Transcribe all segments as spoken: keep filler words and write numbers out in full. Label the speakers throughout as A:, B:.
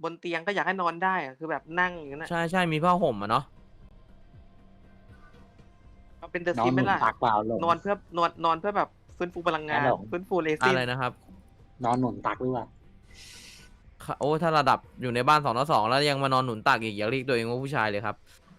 A: บนเตียงก็อยากให้นอนได้อะคือแบบนั่งอย่างนั้น
B: ใช่ใช่มีผ้าห่มอ่ะเนาะ
A: เอาเป็นเดอะ
C: นอ
A: ซิ
C: น
A: ม
C: ห
A: ไหม
C: นุน
A: ล่ะ
C: ตักเปล่าหลง
A: นอนเพื่อนอนนอนเพื่อแบบฟื้นฟูพลังงาน
C: หลง
A: ฟื้นฟูเรซิ
B: อะ
A: น
B: ไรนะครับ
C: นอนหนุนตักหรือเปล่า
B: โอ้ถ้าระดับอยู่ในบ้านสองต่อสองแล้วยังมานอนหนุนตักอีกอย่าเรียกตัวเองว่าผู้ชายเลยครับ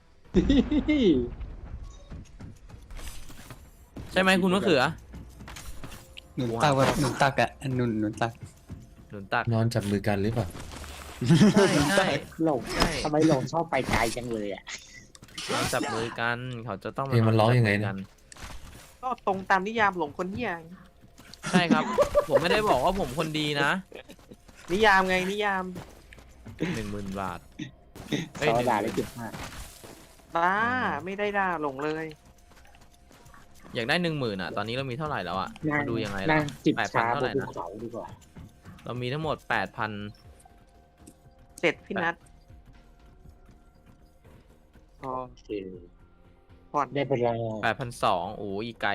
B: ใช่ไหมคุณมะเขือ
D: หนุนตักแบบหนุนตักอะหนุนหนุนตัก
B: หนุนตัก
E: นอนจับมือกันหรือเปล่า
B: ใช่ใช่
C: หลง
B: ใช่
C: ทำไมหลงชอบไปไกลจังเลยอ่ะ
B: นอนจับมือกันเขาจะต้อง
E: เพลงมันร้องยังไงนะ
B: จับมือกั
A: ก็ตรงตามนิยามหลงคนเหี้ย
B: ใช่ครับ ผมไม่ได้บอกว่าผมคนดีนะ
A: นิยามไงนิยาม
B: หนึ่งหมื่นบาท
C: ซ
B: เอ้ย
C: อ
B: หนึ่ง
C: ด่า
B: ห
C: ได้
B: มื่น
C: เจ็บมาก
A: บ้าไม่ได้ด่าหลงเลย
B: อยากได้หนึ่งหมื่นอ่ะตอนนี้เรามีเท่าไหร่แล้วอ่ะ
C: นั่ง
B: มาดูยังไง
C: นั่
B: ล่ะ
C: งจิบ
B: แปดพัน
C: ชา
B: เท่า
C: บ
B: ไห
C: น
B: ร่
C: ภู
B: นะ
C: เขาดีกว่า
B: เรามีทั้งหมดแปดพัน
A: เสร็จพี่นัทพอ
C: โอเค
A: ผ่อน
C: ได้ไปแล้ว
B: แปดพันสองโอ้ยอีกไกล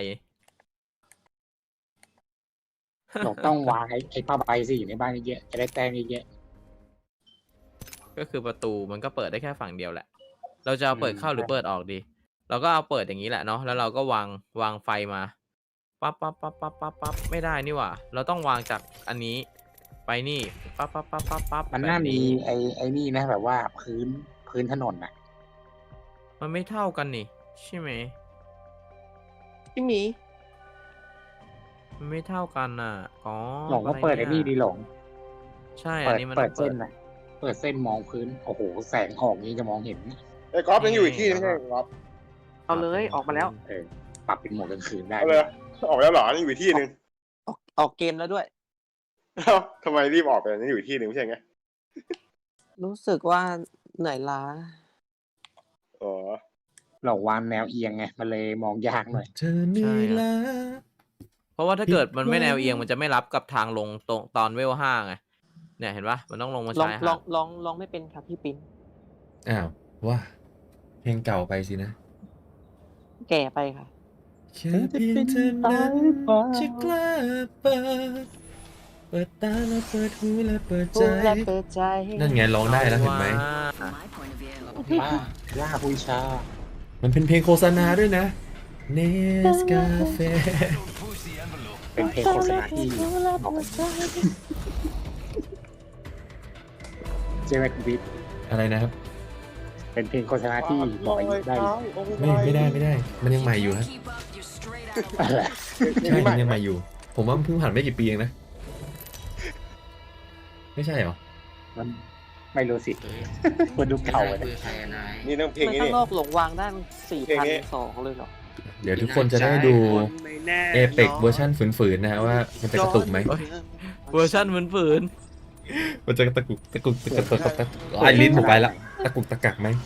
C: หลงต้องวางไอ้ไอ้ผ้าใบสิอยู่ในบ้านเยอะๆจะได้แต้มเยอะ
B: ก็คือประตูมันก็เปิดได้แค่ฝั่งเดียวแหละ เราจะเอาเปิดเข้า
C: อืม
B: หรือเปิดออกดี เราก็เอาเปิดอย่างนี้แหละเนาะ แล้วเราก็วางวางไฟมา ปั๊บปั๊บปั๊บปั๊บปั๊บปั๊บไม่ได้นี่หว่า เราต้องวางจากอันนี้ไปนี่ ปั๊บปั๊บปั๊บปั๊บปั๊บ
C: ๆมันน่า
B: แบบ
C: มีไอ้ไอ้นี่นะแบบว่าพื้นพื้นถนนน่ะ
B: มันไม่เท่ากันนี่ใช่ไหม
A: พี่หมี
B: มันไม่เท่ากันน่ะ อ๋อ
C: หลงก็เปิดไอ้นี่ดีหลง
B: ใช่อั
C: เปิ
B: น
C: ด
B: นี้มัน
C: เปิด
B: ต้อง
C: เส้นน่ะเปิดเส้นมองพื้นโอ้โหแสงออกนี้จะมองเห็น
F: ไอ้ก๊อฟยังอยู่อีกที่ไม่ใช่เหรอก๊อฟ
A: เอาเลยออกมาแล้ว
C: เออปรับเป็นโหมดกลางคืนได้
F: เอาเลยออกแล้วเหรอนี่อยู่อีกที่หนึ่ง
A: ออกออกเกมแล้วด้วย
F: เอ้าทำไมรีบออกไปนี่อยู่อีกที่หนึ่งไม่ใช่ไง
A: รู้สึกว่าเหนื่อยล้า
F: อ๋อ
C: หลงวางแนวเอียงไงมันเลยมองยากหน่อย
E: เธอเหนื่อยล้า
B: เพราะว่าถ้าเกิดมันไม่แนวเอียงมันจะไม่รับกับทางลงตรงตอนเวลห้าไง เนี่ยเห็นปะมันต้องลงมา
A: ลอง
B: ชาย
A: ล
B: หา
A: อง
B: ด
A: ลองลองไม่เป็นครับพี่ปิ้น
E: อ้าวว่าเพลงเก่าไปสินะ
A: แก่ไปค่ะ
E: แค่เพียงเธอนั้นจะกล้าเปิดเปิดตาและเปิดหูและเปิดใจ
A: พูดและเปิดใจ
E: นั่นไงร้องได้แล้วเห็นไหม
B: ว่า
C: ล่าล่าผู้ชา
E: มันเป็นเพลงโฆษณาด้วยนะเนสกาเฟ่
C: เป็นเพลงโฆษณาที่บอกกันเจเวตวิท
E: อะไรนะครับ
C: เป็นเพลงโฆษณาที่บอกอายุได้
E: ไม่ไม่ได้ไม่ได้ มันยังใหม่อยู่ครับ
C: อะไร
E: ใช่มันยังใหม่อยู่ ผมว่ามันเพิ่งผ่านไม่กี่ปีเองนะ ไม่ใช่เหรอ
C: มันไม่รู้สิมันดูเก่าเลย
F: นี่ต้องเพลง
A: มัน
F: นี้
A: ข้าง
F: นี่
A: นอกหลงวางได้สี่
F: เพลง
A: พัน
F: นี้
A: สองเลยเหรอ
E: เดี๋ยวทุกคนจะได้ดูเอเปกเวอร์ชันฝืนๆนะฮะว่ามันจะกระตุกไหม
B: เวอร์ชันเหมือนฝืน
E: มันจะตะกุกตะกุกตะกุกตะกุกตะกุกไอ้ลิ้นผมไปละตะกุกตะกักไหม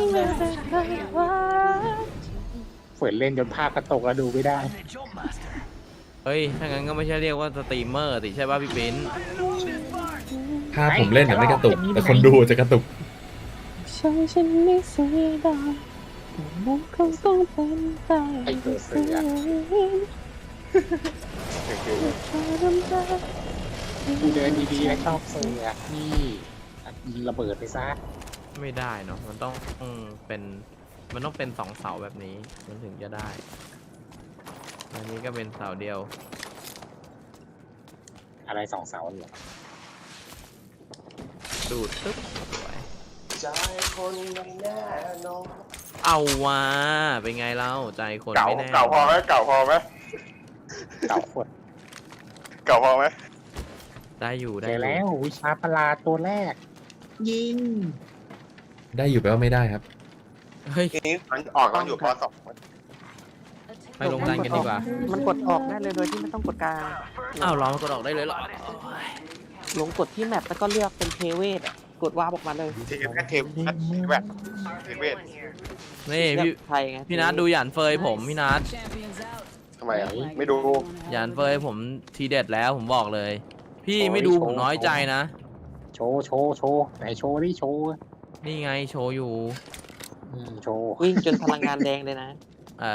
C: ฝืนเล่นจนภาพกระตกแล้วดูไม่ได้
B: เฮ้ย ถ้างั้นก็ไม่ใช่เรียกว่าสตรีมเมอร์สิใช่ป่ะพี่ปิ้น
E: ภาพผมเล่นแต่ไม่กระตุก แต่คนดูจะกระตุก
A: ฉันฉันไม่เสียดายมันคงต้องเป็นไป
C: ไอ้ตัวเสือ กูเดินดีๆแล้วชอบเสือกนี่ยิงระเบิดไปซะ
B: ไม่ได้เนาะ มันต้องเป็น มันต้องเป็นสองเสาแบบนี้ มันถึงจะได้ อันนี้ก็เป็นเสาเดียว
C: อะไรสองเสาเหรอ
B: ดูดตึ๊บสวย
F: ใจคนไม่แน่นอน
B: เอาว่ะเป็นไงเล่าใจคน
F: เก่า
B: ไม่แน่
F: เก่าพอไหมเก่าพอไหม
C: เก่าขวด
F: เก่าพอไหม
B: ได้อยู่ได้
C: เจ
B: อ
C: อยู่ แล้ววิชาประหลาดตัวแรก ยิง
E: ได้อยู่แปลว่าไม่ได้ครับ
B: เฮ้ย
F: นี่มันออกตอนอยู่ปสอง
B: ไปลงดันกันดีกว่า
A: มันกดออกได้เลยโดยที่ไม่ต้องกดกลาง
B: อ้าวเรากดออกได้เลยเหรอ
A: หลงกดที่แมปแล้วก็เลือกเป็นเทเวทอะกดวาร์ปออกมาเลย
F: เทแค่เทปแบบเทเวท
B: นี่
A: เลื
B: พี่
A: อกไทยไง
B: พี่นัทดูหยานเฟยผมพี่นัท
F: ทำไมอ่ะไม่ดู
B: หยานเฟยผมทีเด็ดแล้วผมบอกเลย พี่ไม่ดูผมน้อยใจนะ
C: โชว์โชว์โชว์ไหนโชว์ดิโชว์
B: นี่ไงโชว์อยู่
C: อืมโชว์
A: วิ่งจนพลังงานแดงเลยนะ
B: อ่า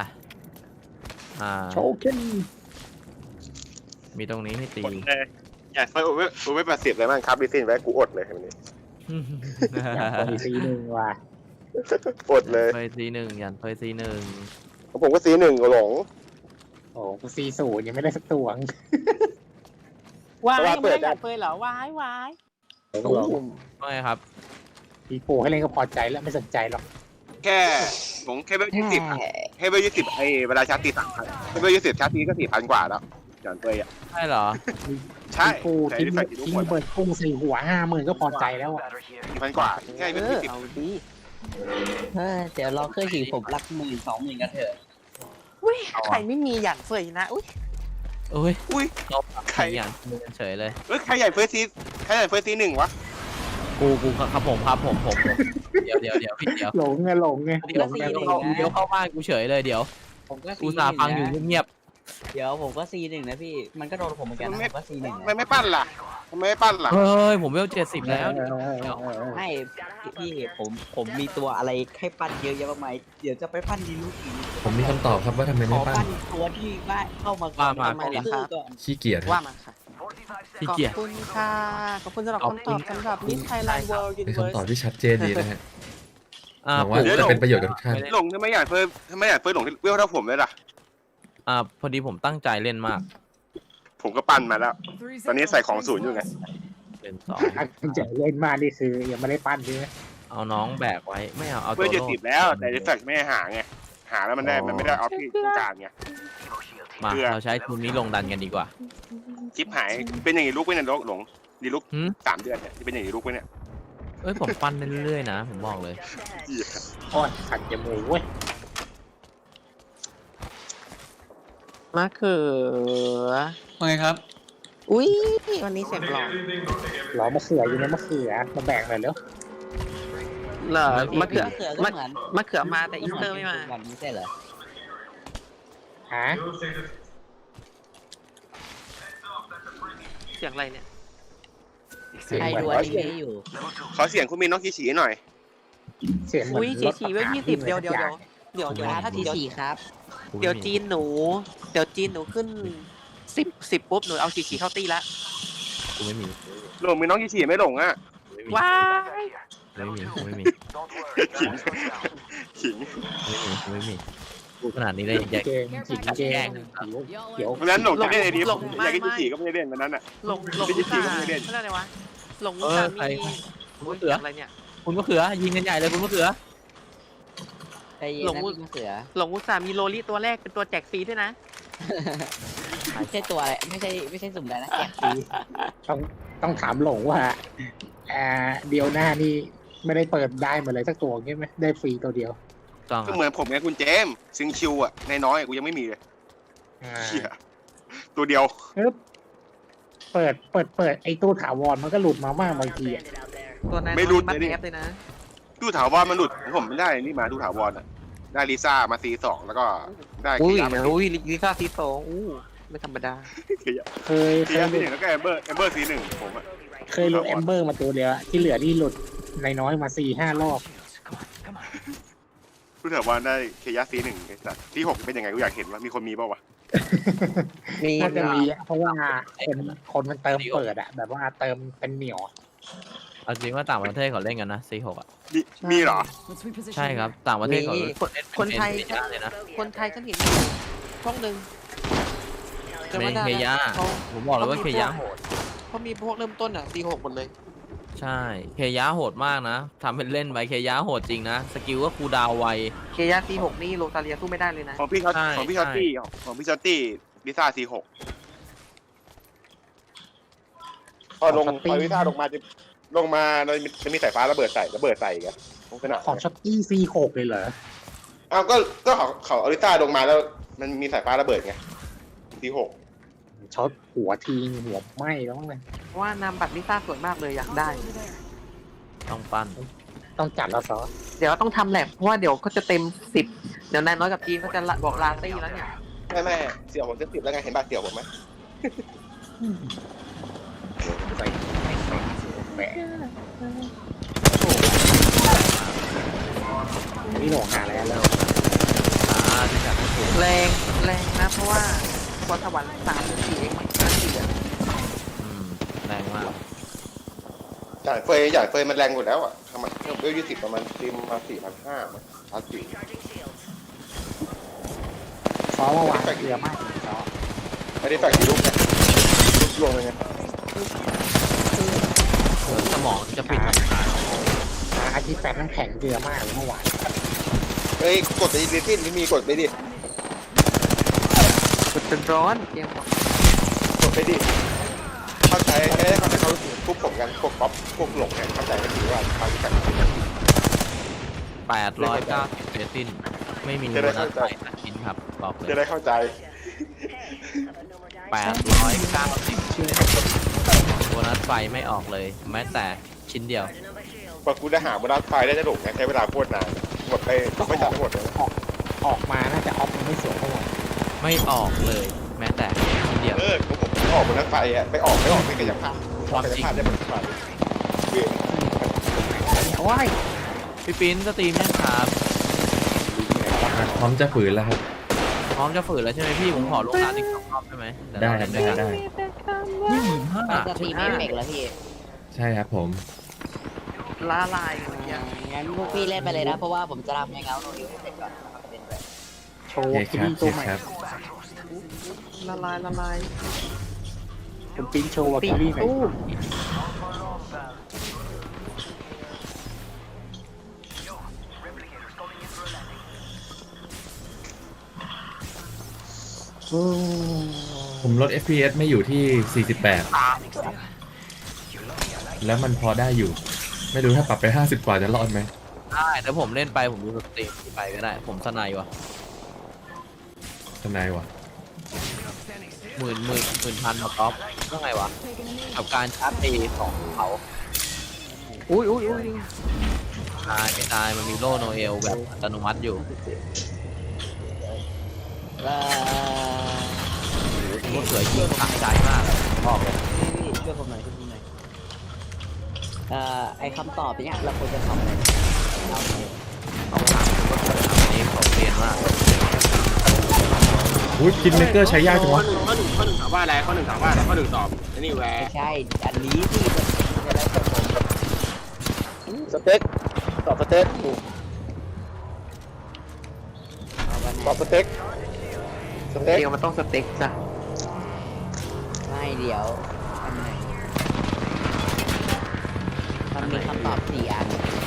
B: อ่า
C: โชว์ขึ้น
B: มีตรงนี้ให้ตี
F: กดเลยอย่าเฟิร์สอูเว่อูเว่แปดสิบเลยมั้งครับดิซินไว้กูอดเลยวันนี้
C: อยากไปซีหนึ่งว่ะ
F: อดเลย
B: เฟยซีหนึ่งยันเฟยซีหนึ่ง
F: ผมก็ซีหนึ่งหลง
C: โอ้กูซีศูนย์ยังไม่ได้สักตัว
A: วาย
F: เพราะว่า
A: ยังไม่ได้
F: เปิดได้
A: อยากเฟยเหรอวายวาย
C: หลงหลง
B: ว่าไงครับ
C: ปีโป้ให้เล่นก็พอใจแล้วไม่สนใจหรอก
F: แค่ผมแค่เบลยี่สิบแค่เบลยี่สิบไอเวลาชาร์จตีสามพันแค่เบลยี่สิบชาร์จตีก็สี่พันกว่าแล้วอย่างเตยอ่ะ
B: ใช่เหรอ
F: ใช่
C: ปีโป้
F: ใช้
C: ทิ้ง
F: ใส่กี่ลูก
C: ทิ้ง
F: หมด
C: เบิดกุ้งสี่หัวห้าหมื่นก็พอใจแล้วอ่ะ
F: สี่พันกว่าแค่
A: เอ
F: เบล
A: อ
F: ยี่สิบ
A: เอาดี
D: เฮ้ยเดี๋ยวรอเครื่องฉีดผมรักหมื่นสองหมื่นกันเถอะ
A: อุ้ยใครไม่มีอย่างเฟยนะอุ้ย
B: โอ้ย
F: อุ้ย
B: เราใครอย่างเฉยเลย
F: เอ้ยใครใหญ่เฟิร์สซีใครใหญ่เฟิร์สซีหนึ่งวะ
B: กูกูครับผมครับผมผมผมเดี๋ยวเดี๋ยวเดี๋ยวพี่เดี๋ยว
C: หลงไงหลงไง
B: เดี๋ยว
C: หลงไง
B: เดี๋ยวเข้าเดี๋ยวเข้าบ้านกูเฉยเลยเดี๋ยว
D: ผมก็
B: กูสาฟังอยู่เงียบ
D: เดี๋ยวผมก็ซีหนึ่งนะพี่มันก็โดนผมเหมือนกันนะผมก็ซีหนึ่ง
F: ทำไมไม่ปั้นล่ะทำไมไม่ปั้นล่ะ
B: ๆเฮ้ยผมเวลเจ็ดสิบแล้ว
C: เออเออเออเออ
D: ไม่พี่ผมผมมีตัวอะไรให้ปั้นเยอะแยะมากมายเดี๋ยวจะไปปั้นดีลูกอีก
E: ผมมีคำตอบครับว่าทำไม
D: ข
E: ไม่
D: อ
E: ปั้น
D: ปั้นตัวที่ว่าเข้ามาก่อนมาก่อน
E: ขี้เกียจ
A: ว่ามาค่ะ
B: พี่
A: ขอบ
B: เกียร
A: คุณค่ะขอบคุณสำหรับ
B: ขอบ
A: คำ
B: คุ
A: ตอ
B: ณ
A: บสำหรับมิสไทยแลนด์เวิลด์ยู
E: เป็น
A: นิเวิร์
E: คำตอบที่ชัดเจนดีนะฮะ
B: อ่า
E: หวังว่าจะเป็นประโยชน์กับทุกท่าน
F: หลงทำไมใหญ่เฟิร์สทำไมใหญ่เฟิร์สหลงเวลเท่าผมเลยล่ะ
B: อ่าพอดีผมตั้งใจเล่นมาก
F: ผมก็ปั้นมาแล้ว ตอนนี้ใส่ของศูนย์อยู่ไง
B: เล่นสอง
C: ตั้งใจเล่นมานี่คือยังไม่ได้ปั้นใช่ไหม
B: เอาน้องแบกไว้ไม่เอาเอา
F: เฟิ
B: ตั
F: ร์
B: ว
F: สเจ็ด
B: โล
F: สิบแล้วแต่เดฟแฟกไม่ให้หาไงหาแล้วมันได้มันไม่ได้ออฟที่ต้องการไง
B: มา
F: เพื่อ
B: เราใช้ทีมนี้ลงดันกันดีกว่า
F: ชิปหายเป็นอย่างนี้ลูกไว้เนี่ยหลงดีลูก
B: หืม
F: สามเดือนเนี่ยเป็นอย่างนี้ลูกไว้เนี่ย
B: เอ้ยผมปั้นไปเรื่อยๆนะผมบอกเลย
C: โอ้ยขัดจมูกเว้ย
A: มะเขือ
D: ว่าไงครับ
A: อุ้ยวันนี้เสียงหล่อ
C: หลอมะเขืออยู่ในมะเขือมาแบ่งหน่อยเร็ว
A: เหรอมะเขือ
D: มะเขือก็
A: มะ
D: เหมือน
A: มะเขือมาแต่อีสเตอร์ไม่มา
D: วันนี้ใช่เหรอ
C: ฮะ
A: เสียงอะไรเนี่ย
C: เสียง
D: ใคร
C: เหมือน
D: ดูอ
C: รถ
D: นิเมะอยู่
F: ขอเสียงคุณมีน้องขี้ฉีหน่อย
C: เสียงเหมือน
A: อุ้ย
C: ร
A: ฉี
C: ถ
A: ฉีเวลยี่สิบเดี๋ยวเดี๋ยวเดี๋ยวเดี๋ยวเดี๋ยว
D: ถ้าทีสี่ครับ
A: เดี๋ยวจีนหนู เดี๋ยวจีนหนูขึ้นสิบสิบปุ๊บหนูเอาฉีฉีเข้าตีละ
B: กูไม่มี
F: หลงมีน้องขี้ฉีไม่หลงอ่ะ
B: กูไม่มี
A: ว้าย
B: ไม่มีกูไม่มี
F: ขิงขิง
B: ไม่มีกูไม่มีกูขนาดนี้เลยแยก
C: เกมจิ๋งเกมเขียว
F: วันนั้นหลงจะเล่นไอ้นี้ผมอยากกินขี้ฉีก็ไม่ได้เล่นวันนั้นอ่ะ
A: หลงหลง
F: ไม่ใช่
A: อุตส่าห์
F: จีนก็ไม่เล่น
A: เขาเรียกอะไรวะหลงอุ
B: เอ
A: ต
B: อ
A: ส่าห์
B: ใคร
A: มี
B: คุณมะเขือ
A: อะไรเนี่ย
B: คุณมะเขือยิงกันใหญ่เลยคุณมะเขือ
D: ใจเย็น
A: หลง
D: นะ
A: มุ
D: พี่มะเขือ
A: หลงอุตส่าห์มีโลลี่ตัวแรกเป็นตัวแจกฟรีด้วยนะ
D: ไม่ใช่ตัวอะไรไม่ใช่ไม่ใช่สุ่มอะไรนะแกะ
C: ดีต้องต้องถามหลงว่าอ่าเดียวหน้านี่ไม่ได้เปิดได้มาเลยสักตัวใช่ไหมได้ฟรีตัวเดียว
B: ต้อง
F: ก็เหมือนผมไงคุณเจมส์ซิงคิวอ่ะในน้อยๆกูยังไม่มีเลย
C: อ่า
F: เหี้ยตัวเดียว
C: ปึ๊บเปิดเปิดเปิดไอ้ตู้ถาวรมันก็หลุดมาบ้างบางทีอะ
A: ตัวนั้น
F: ไม่รู้
A: บัต
F: เลยนี่
A: แอปเลยนะ
F: ดูถาวรมันหลุดผมไม่ได้นี่มาดูถาวรอ่ะได้ลิซ่ามาซีสองแล้วก็ได้
A: อุ้ย
F: คียามา
A: อุ้ยลิซ่าซีโซอู้ไม่ธรรมดา
F: คียา
C: เคยเค
F: คี
C: ย
F: ยา
C: ห
F: ซี
C: ลุด
F: หนึ่งแล้วก็แอมเบอร์แอมเบอร์ซีหนึ่งผมอ่ะ
C: เคยหลุดแอมเบอร์มาตัวเดียวอะที่เหลือที่หลุดในน้อยมาสี่ห้ารอบ
F: ดูถาวรได้เคยาซีหนึ่งไอ้สัตว์ที่หกเป็นยังไงกูอยากเห็นว่ามีคนมีเปล่าวะ
A: มี
C: น่าจะมีอะเพราะว่าคนคนมันเติมเปิดอะแบบว่าเติมเป็นเหนียวอะ
B: เอาจริงว่าต่างประเทศเขาเล่นกันนะซีหกอ่ะ
F: มีมีเหรอ
B: ใช่ครับต่างประเทศเขา
A: มี
B: เล่น
A: คนคนไทย
B: เป็นเยอะเลยนะ
A: คนไทยฉันเห็นอยู่ช่องหนึ่งจำ
B: เม
A: ไม่
B: น
A: ได้
B: เคยะ
A: เขา
B: ผมบอกเลยว่าเคยะโหด
A: เขามีพวกเริ่มต้นอ่ะซีหกหมดเลย
B: ใช่เคยะโหดมากนะทำเป็นเล่นไปเคยะโหดจริงนะสกิลก็คูลดาวน์ไว
A: เคยาซีหกนี่โรตาเลียสู้ไม่ได้เลยนะ
F: ของพี่เขา
B: ใช่
F: ของพี่ชอตตี้ของพี่ชอตตี้ลิซ่าซีหกพอลงพอลิซ่าลงมาจะลงมาเราจะมีสายฟ้าระเบิดใส่ระเบิดใส่อีกันขนาด
C: ของช็อตกี้ซีหกเลยเหรอ
F: อ้าวก็ก็เขาเขาอลิซ่าลงมาแล้วมันมีสายฟ้าระเบิดไงซีหก
C: ช็อตหัวทีหัวไหม้แล้วมั้งเลย
A: เพราะว่านามบัตรลิซ่าสวยมากเลยอยากได้
B: ต้องปั้น
C: ต้องจัดแล้วซอ
A: เดี๋ยวต้องทำแลบเพราะว่าเดี๋ยวก็จะเต็มสิบเดี๋ยวนายน้อยกับจีนก็จะละบอกลาตี้แล้วเนี่ย
F: แม่แม่เสี่ยวผมจะติดแล้วไงเห็นบาดเสี่ยวผมไหม
C: ใส่ไม่ใส่แหมนี่หลงหาแล้วแล้ว
B: อ่าที่จัดให้ถูก
A: แรงแรงนะเพราะว่าพรสวรรค์สามหรือสี่เองมันน่าเสีย
B: อืมแรงมาก
F: จ่ายเฟยจ่ายเฟยมันแรงอยู่แล้วอ่ะทำไมเวลยี่สิบประมาณตีมมาสี่พันห้าพันสี่
C: ซอเมื่อวานเกลือมากเลยซอ
F: ไม่ได้แฝงกี่ลูกนะลูกรวมเลยไง
B: เหมือนสมองจะปิด
C: อาทิตย์แปดน้ำแข็งเกลือมากเลยเมื่อวาน
F: เฮ้ยกดไปดิสิ้นไม่มีกดไปดิ
A: กดจนร้อนเกมบอก
F: กดไปดิเข้าใจแค่เข้าใจเขาพวกผมกันพวกป๊อปพวกหลงเนี่ยเข้าใจกันดีว่าเขาจะกัน
B: แปดร้อยเก้าสิบเซตินไม่มีโบนัสไฟสักชิ้นครับบอกเล
F: จะ
B: ย
F: ได้เข้าใจ
B: แปดร้อยเก้าสิบโบนัสไฟไม่ออกเลย แม้แต่ชิ้นเดียว
F: พอกูได้หาบนรถไฟได้จะหลงนะใช้เวลาโคตรนานหมดไปไม่จัดหมดเลย
C: ออกออกมาน่าจะออฟมันไม่สวยเท่าไหร่
B: ไม่ออกเลย แม้แต่ชิ้นเดียว
F: เออผมผมออกบนรถไฟอ่ะไปออกไม่ออกไม่กระยับภาพกระยับภาพได้บนรถไฟ
C: ว้าย
B: พี่ปิ้นสตรีมยังครับ
E: พร้อมจะฝืนแล้วครับ
B: พร้อมจะฝืนแล้วใช่ไหมพี่ผมขอลงน้ำอีกสองรอบได้ไหมเยว
E: ได้
B: เรา
E: ครับ
B: เล่น
E: ได้
B: ด้วยกัน
E: ได้
B: นี่หมื่นห้า
D: มันจะตีเอฟเฟกต์แล้วพี่
E: ใช่ครับผม
A: ละลายอย่างเงี้ย
D: งั้นพวกพี่เล่นไปเลยนะเพราะว่าผมจะทำยังไงเอาโนดิวให้เสร็จก่อนนะครับเล่นไป
C: โช
E: โอ
C: ว์
E: เค
C: คิ
E: ครับ
C: รี่
E: โอ
C: ตัว
E: เค
C: ใหม่
E: ครับ
A: ละลายละลาย
C: คุณปิ้นโชว์วาคิรี่หน่อย
A: ตู้
C: อืม
E: ผมลด เอฟ พี เอส ไม่อยู่ที่ สี่สิบแปด แล้วมันพอได้อยู่ ไม่รู้ถ้าปรับไป ห้าสิบ กว่าจะรอดไหม
B: ได้แต่ผมเล่นไปผมดูสตรีมไปก็ได้ ผมสนายวะ
E: ทนายวะ
B: หมื่นหมื่นหมื่นพันมาท็อปก็ไงวะกับการชาร์จตีของเขา
A: อุ้ยอุ้ยอุ้ย
B: ตายไม่ตายมันมีโล่โนเอลแบบอัตโนมัติอยู่
D: แล้ว
B: ผมว่าเสือยิงขังใจมากบอกเลย
D: พี่พี่ช่วยผมหน่อยช่วยผมหน่อยเอ่อไอคำตอบเนี้ยเราควรจะตอบอะไรเอาเลย
B: เอาถามผมว่าเสือทำนี้ผมเรียนมาก
E: อุ้ยคิดเมเกอร์ใช้ยากจังวะ
F: ข้อหนึ่งข้อหนึ่งถามว่าอะไรข้อหนึ่งถามว่าอะไรข้อหนึ่งตอบนี่แหว
D: ไม่ใช่อันนี้พี่จะได้กับผม
F: สเต็กตอบสเต็ก
D: เอาวันไหน
F: ตอบสเต็กสเต็ก
A: เกมมันต้องสเต็กจ้ะ
D: ไม่เดี๋ยวอันไหนมันมีคำตอบสี่อัน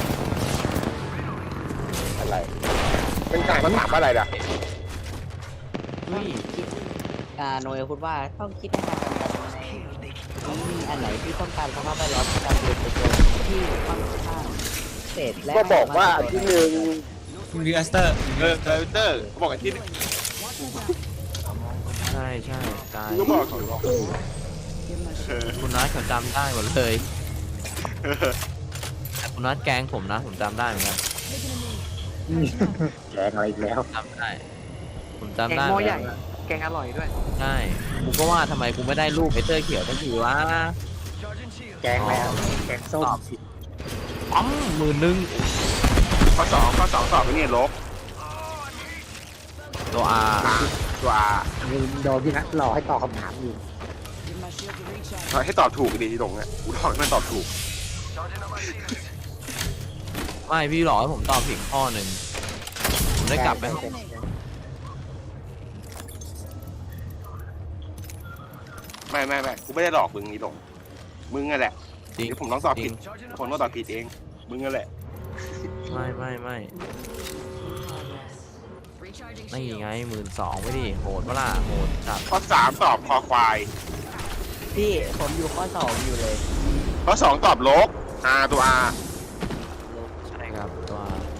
F: อะไรเป็นการมันถามว่าอะไรล่ะ
B: เฮ้ย
D: คิดอ่าโนเอลพูดว่าต้องคิดให้มากันกันในมีอันไหนที่ต้องการสภาพแวดล้อมการเรียนตัวที่ค่อนข้างเศษและ
F: ก็บอกว่าอันที่หนึ่ง
E: รีอัสเตอร์
F: เออคอมพิวเตอร์บอกอันที่หนึ่ง
B: ใช่ใช่ตาย
F: ก็บอกเขาบอก
B: คุณนัทเขาจำได้หมดเลยแต่คุณนัทแกล้งผมนะผมจำได้เหมือนกัน
C: แกงอะไรอีกแล้ว
B: จำได้ ผม
A: แก
B: จำ
A: ง
B: ได้
A: หม้อใหญ่แกงอร่อยด้วย
B: ใช่กูก็ว่าทำไมกูไม่ได้รูปไอเตอร์เขียวสักทีวะ
C: แกงแล้วแกงส้มสิ
B: ปั๊มหมื่นหนึ่ง
F: ข้อสองข้อสองตอบไปนี่ลบ
B: ตัวอา
F: ตัวอา
C: มึงโดนพี่นัทรอให้ตอบคำถามอยู่
F: ให้ตอบถูกดีที่หลงอ่ะกูตอบให้มันตอบถูก
B: ไม่พี่หลอกให้ผมตอบผิดข้อหนึ่งผมได้กลับไปห้อง
F: ไม่ไม่ไม่กูไม่ได้หลอกมึงนี่หลงมึงนั่นแหละ
B: จริง
F: เดี๋ยวผมต้องตอบ
B: จ
F: ผิ
B: ริ
F: ด
B: ง
F: ผมต้องตอบผิดเองมึงนั่นแหละ
B: ไม่ไม่ไม่นี่ไงหมื่นสองไม่ดิโหดปะล่ะโหดจัด
F: ข้อสามตอบคอควาย
D: พี่ผมอยู่ข้อสองอยู่เลย
F: ข้อสองตอบลกอาตัวอา
B: ใช่ครับตัว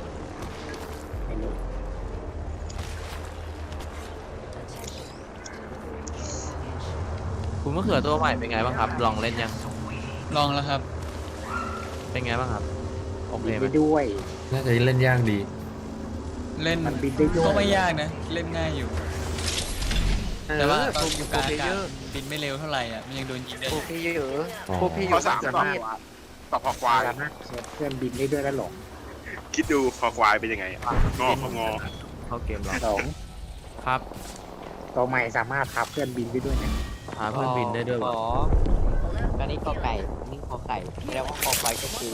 B: คุณมะเขือตัวใหม่เป็นไงบ้างครับ ลองเล่นยัง
E: ลองแล้วครับ
B: เป็นไงบ้างครับโอเค
C: บิน
B: ไหม
C: ได้ด้วย
E: น่าจะเล่นยากดี
G: เล่น
C: มันบินได้ด้วย
G: ก็ไม่ยากนะ เล่นง่ายอยู่ แต่ว่าตอนอยู่กลางอากาศ
A: เยอะ
G: บินไม่เร็วเท่าไหร่อ่ะ มันยังโดนยิงได้
A: พวกพี่เยอะ
E: อ๋อ
A: พวกพี่เย
F: ข้อ
A: อะ
F: สาม
A: จะ
F: ตอบ
A: มีด
F: ตอบคอควาย
C: สามารถเพื่อนบินได้ด้วยแล้วหลง
F: คิดดูคอควายเป็นยังไงอะงอคองอ
B: เข้าเกมหรอ
C: หลง
B: ครับ
C: ตัวใหม่สามารถทับเพื่อนบินได้ด้วยนะ
B: พาเพื่อนบินได้ด้วย
D: ข
B: วะ
D: อแป๊อันนี้กอไก่อันนี้คอไก่แสดงว่าคอควายก็คือ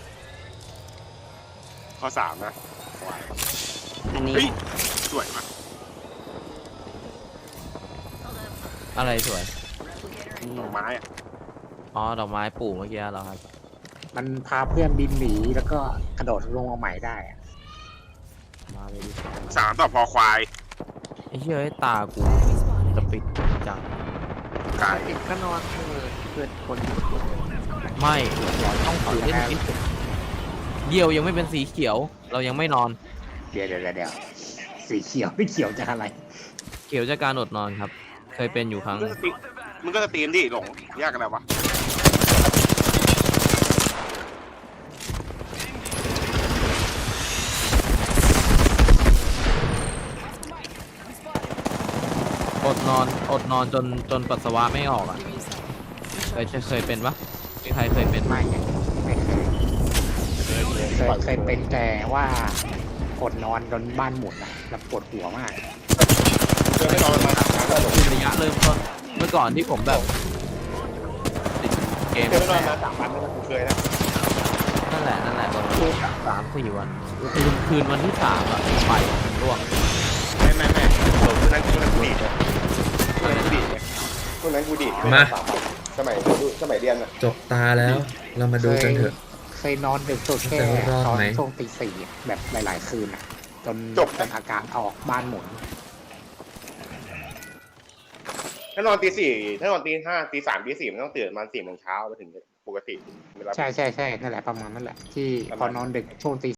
F: ข้อสามนะควาย
D: อันนี้
F: เฮ้ยสวยมาก
B: อะไรสวย
D: อืม
F: ดอกไม้อะ
B: อ๋อดอกไม้ปลูกเมื่อกี้เหรอครับ
C: มันพาเพื่อนบินหนีแล้วก็กระโดดลงมาใหม่ได้อะ
B: มาเลยดิ
F: สามต่อพอควาย
B: ไอ้เหี้ยไอ้ตากูจะปิดจัง
F: กาย
D: ก็นอนคือเกิดคน
B: ไม่ต้องถือเล่นกินเดี่ยวยังไม่เป็นสีเขียว เรายังไม่นอน
C: เดี๋ยวเดี๋ยวเดี๋ยวสีเขียวไม่เขียวจากอะไร
B: เขียวจากการอดนอนครับ เคยเป็นอยู่ครั้งห
F: มึง
B: นึ่
F: ก็
B: ง
F: สตรีมมึงก็สตรีมดิหลงยากอะไรวะ
B: อดนอนอดนอนจนจนปัสสาวะไม่ออกอ่ะเคยเคยเป็นปะมีใครเคยเป็นไหม
C: ไม่ไงไม่เคยเคยเคยเป็นแต่ว่าอดนอนจนบ้านหมุนนะแล้วปวดหัวมาก
F: เจอไม่นอนมาสามครั้งแล้วหลง
B: ระยะเริ่มต้นเมื่อก่อนที่ผมแบบติดเกม
F: เจอไม่นอนมาสามวันแล้วกูเคยนะ
B: นั่นแหละนั่นแหละประมาณสามสี่วันคืนคืนวันที่สามอะไฟมันร่วง
F: ไม่ไม่ไม่หลงคนนั้นคนนั้นกูดีดคนนั้นกูดีดคนนั้นกูดีด
E: มา
F: สมัยสมัยเรียนอะ
E: จบตาแล้ว เรามาดูกันเถอะ
C: เคยนอนดึกสุดแค่
E: จะรอด
C: ตอน
E: ไหม
C: ช่วงตีสี่อะแบบหลาย ๆ คืนอะจนจนอาการออกบ้านหมุน
F: ถ้านอนตีสี่ถ้านอนตีห้าตีสามตีสี่มันต้องตื่นประมาณสี่โมงเช้ามาถึงปกติเวลา
C: ใช่ใช่ใช่นั่นแหละประมาณนั่นแหละที่พอนอนดึกช่วงตี